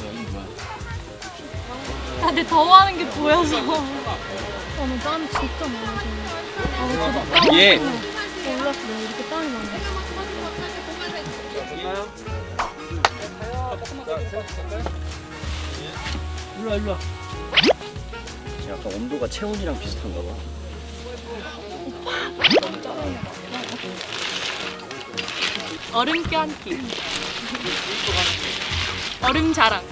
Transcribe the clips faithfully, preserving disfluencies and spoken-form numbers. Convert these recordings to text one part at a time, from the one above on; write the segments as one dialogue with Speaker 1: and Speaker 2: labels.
Speaker 1: 다들 더워하는 게 보여서. 아, 나 땀 진짜 많아서. 아, 저도 땀
Speaker 2: 예.
Speaker 1: 몰랐어요. 이렇게 땀이 많아요.
Speaker 2: 일로와 일로와. 약간 온도가 체온이랑 비슷한가 봐.
Speaker 1: 얼음 껴안기. 얼음 자랑.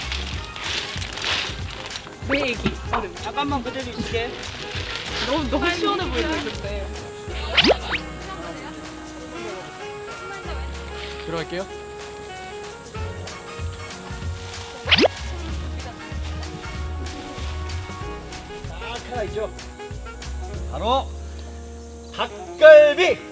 Speaker 1: 내 얘기. 얼음.
Speaker 3: 잠깐만 그대로 있을게.
Speaker 1: 너무 너무 시원해 보이네 근데.
Speaker 4: 들어갈게요.
Speaker 3: 딱 하나 있죠. 바로 닭갈비.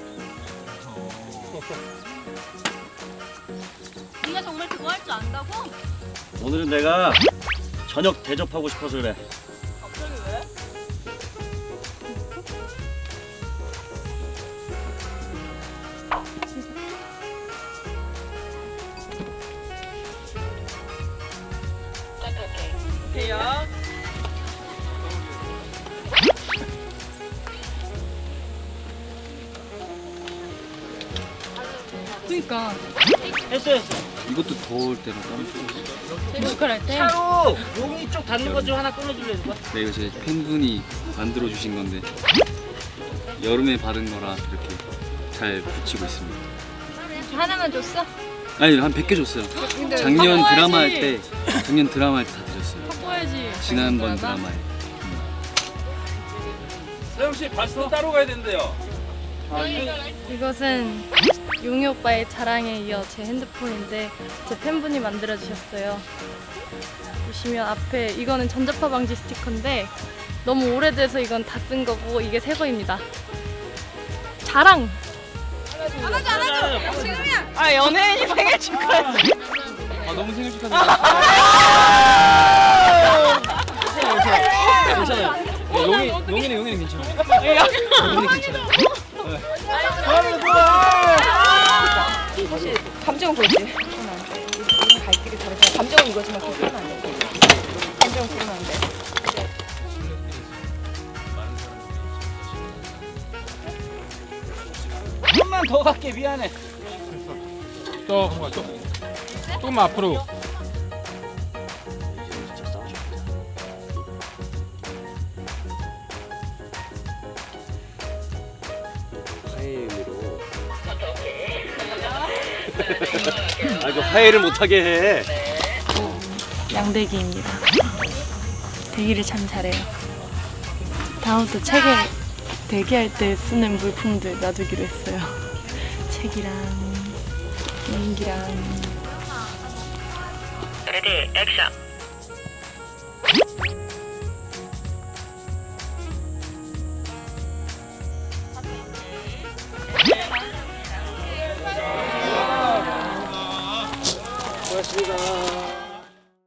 Speaker 1: 네가 정말 그거 할 줄 안다고?
Speaker 2: 오늘은 내가 저녁 대접하고 싶어서 그래.
Speaker 1: 갑자기 왜?
Speaker 3: 해요.
Speaker 1: 그니까
Speaker 3: 했어 했어.
Speaker 2: 이것도 더울 때는 땀.
Speaker 1: 뮤지컬 할 때.
Speaker 3: 차로 용이 쪽 닿는 거 좀 하나 끊어줄래 누가?
Speaker 4: 네, 이거 제 팬분이 만들어 주신 건데 여름에 받은 거라 이렇게 잘 붙이고 있습니다.
Speaker 1: 하나만 줬어?
Speaker 4: 아니, 한 백 개 줬어요. 작년
Speaker 1: 바꿔야지.
Speaker 4: 드라마 할 때, 작년 드라마 할 때 다 드렸어요.
Speaker 1: 바꿔야지.
Speaker 4: 지난번 드라마에.
Speaker 5: 서영 씨 발성 따로 가야 된대요.
Speaker 1: 이것은 용이 오빠의 자랑에 이어 제 핸드폰인데 제 팬분이 만들어 주셨어요. 보시면 앞에 이거는 전자파 방지 스티커인데 너무 오래돼서 이건 다 쓴 거고 이게 새 거입니다. 자랑. 안 하죠 안 하죠. 지금이야. 아 연예인이 생일 축하했어.
Speaker 4: 아, 너무 생일 축하드립니다. 괜찮아요. 용이, 용이는 용이는 괜찮아요. 용이는 괜찮아요.
Speaker 6: 사실 감정은 보이지? 그건 안 돼. 우리는 갈 길이 다르잖아. 감정은 이거지만 그건 안 돼. 감정은 그건 안 돼.
Speaker 3: 좀만 더 갈게 미안해.
Speaker 5: 또 조금만 앞으로.
Speaker 2: 화해로. 아 이거 화해를 못하게 해.
Speaker 1: 양대기입니다. 대기를 참 잘해요. 다음부터 책에 대기할 때 쓰는 물품들 놔두기로 했어요. 책이랑 게임기랑.
Speaker 6: 레디 액션.